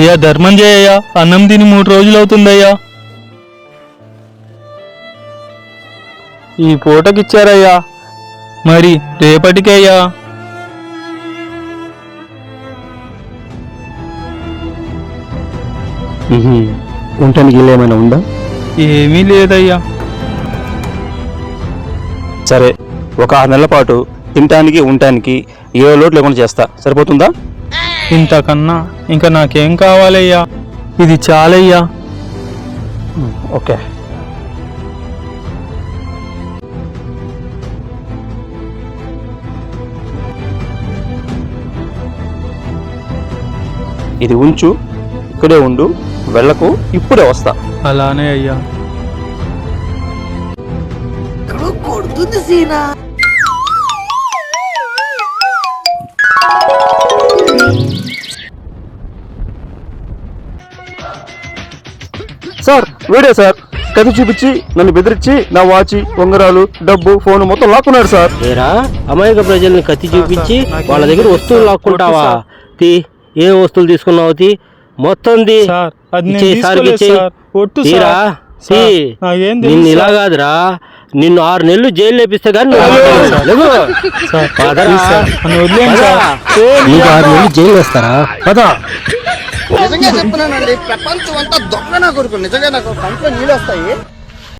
అయ్యా ధర్మం చేయయ్యా, అన్నం తిని 3 రోజులు అవుతుందయ్యా. ఈ పూటకిచ్చారయ్యా, మరి రేపటికయ్యా. ఉండటానికి ఇల్లు ఏమైనా ఉందా? ఏమీ లేదయ్యా. సరే, ఒక 6 నెలల పాటు తినటానికి ఉండటానికి ఏ లోటు లేకుండా చేస్తా, సరిపోతుందా? ఇంతకన్నా ఇంకా నాకేం కావాలయ్యా, ఇది చాలయ్యా. ఓకే. ఇది ఉంచు, ఇక్కడే ఉండు, వెళ్ళకు, ఇప్పుడే వస్తా. అలానే అయ్యా. సార్ వీడే సార్, కత్తి చూపించి నన్ను బెదిరించి నా వాచి, ఉంగరాలు, డబ్బు, ఫోన్ మొత్తం లాక్కున్నాడు సార్. ఏరా అమాయక ప్రజల్ని కత్తి చూపించి వాళ్ళ దగ్గర వస్తువులు లాక్కుంటావా? ఏ వస్తువులు తీసుకున్నావు? మొత్తం నిన్ను ఇలా కాదురా, నిన్ను 6 నెలలు జైలు లేపిస్తే కానీ నీకు 6 నెలలు జైలు వేస్తారా? పదా. నిజంగా చెప్తున్నానండి, ప్రపంచం అంతా దొంగ నా కొడుకు. నిజంగా నాకు కంట్లో నీళ్ళు వస్తాయి.